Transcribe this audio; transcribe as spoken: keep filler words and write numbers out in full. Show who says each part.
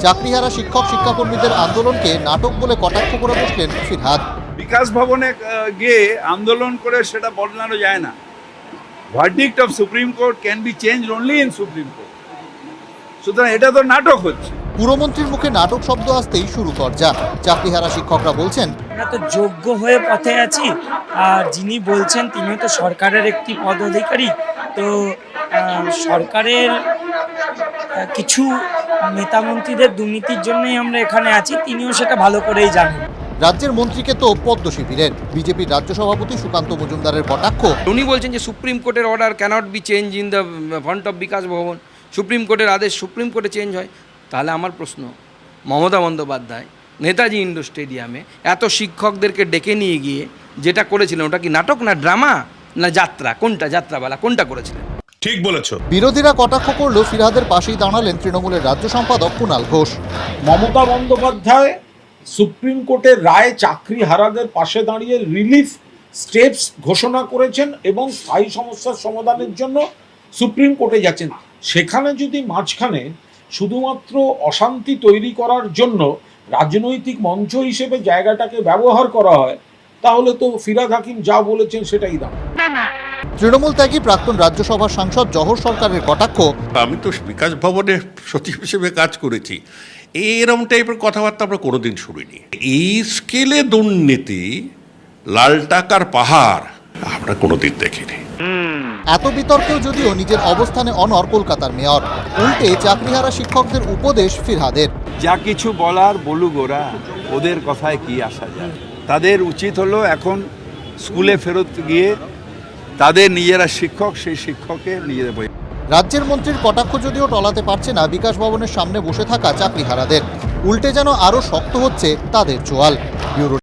Speaker 1: চাকরিহারা শিক্ষক শিক্ষাকর্মীদের আন্দোলনকে নাটক বলে কটাক্ষ করে বসলেন ফিরহাদ।
Speaker 2: বিকাশ ভবনে গিয়ে আন্দোলন করে সেটা বদলানো যায় না। Verdict of supreme court can be change only in supreme court. সুতরাং এটা তো নাটক হচ্ছে।
Speaker 1: পুরমন্ত্রীর মুখে নাটক শব্দ আসতেই শুরু চর্চা। চাকরিহারা শিক্ষকরা বলছেন,
Speaker 3: আমরা তো যোগ্য হয়ে পথে আছি, আর যিনি বলছেন তিনিও তো সরকারের একটি পদাধিকারী। তো সরকারের কিছু নেতামন্ত্রীদের দুর্নীতির জন্যই আমরা এখানে আছি, তিনিও সেটা ভালো করেই জানেন।
Speaker 1: রাজ্যের মন্ত্রীকে তো পদ্ম শিবিরের। বিজেপির রাজ্য সভাপতি সুকান্ত মজুমদারের কটাক্ষ।
Speaker 4: উনি বলছেন যে সুপ্রিম কোর্টের order cannot be change in the front of Bikash Bhavan. Supreme কোর্টের আদেশ সুপ্রিম কোর্টে চেঞ্জ হয়। তাহলে আমার প্রশ্ন, মমতা বন্দ্যোপাধ্যায় নেতাজি ইন্ডোর স্টেডিয়ামে এত শিক্ষকদেরকে ডেকে নিয়ে গিয়ে যেটা করেছিলেন, ওটা কি নাটক না ড্রামা না যাত্রা? কোনটা যাত্রাবেলা কোনটা করেছিলেন?
Speaker 5: ঠিক বলেছ।
Speaker 1: বিরোধীরা কটাক্ষ করলেও ফিরহাদের পাশেই দাঁড়ালেন তৃণমূলের রাজ্য সম্পাদক কুণাল ঘোষ।
Speaker 6: মমতা বন্দ্যোপাধ্যায় সুপ্রিম কোর্টের রায় চাকরিহারাদের পাশে দাঁড়িয়ে রিলিফ স্টেপস ঘোষণা করেছেন এবং স্থায়ী সমস্যার সমাধানের জন্য সুপ্রিম কোর্টে যাচ্ছেন। সেখানে যদি মাঝখানে শুধুমাত্র অশান্তি তৈরি করার জন্য রাজনৈতিক মঞ্চ হিসেবে জায়গাটাকে ব্যবহার করা হয়, তাহলে তো ফিরহাদ হাকিম যা বলেছেন সেটাই দাম।
Speaker 1: তৃণমূল ত্যাগী প্রাক্তন রাজ্যসভার সাংসদ জহর সরকারের কটাক্ষ।
Speaker 5: আমি তো বিকাশ ভবনের সচিব হিসেবে কাজ করেছি, এরকম টাইপের কথাবার্তা আমরা কোনোদিন শুনিনি। এই স্কেলে দুর্নীতি, লাল টাকার পাহাড় আমরা কোনোদিন দেখিনি।
Speaker 1: এত বিতর্কেও যদিও নিজের অবস্থানে অনড় কলকাতার মেয়র। উল্টে চাকরিহারা শিক্ষকদের উপদেশ ফিরহাদের।
Speaker 2: যা কিছু বলার বলুক, ওরা ওদের কথায় কি আসা যায়। তাদের উচিত হলো এখন স্কুলে ফেরত গিয়ে তাদের নিজেরা শিক্ষক, সেই শিক্ষককে নিজেদের বই।
Speaker 1: রাজ্যের মন্ত্রীর কটাক্ষ যদিও টলাতে পারছে না বিকাশ ভবনের সামনে বসে থাকা চাকরিহারাদের। উল্টে যেন আরও শক্ত হচ্ছে তাদের চোয়াল। ব্যুরো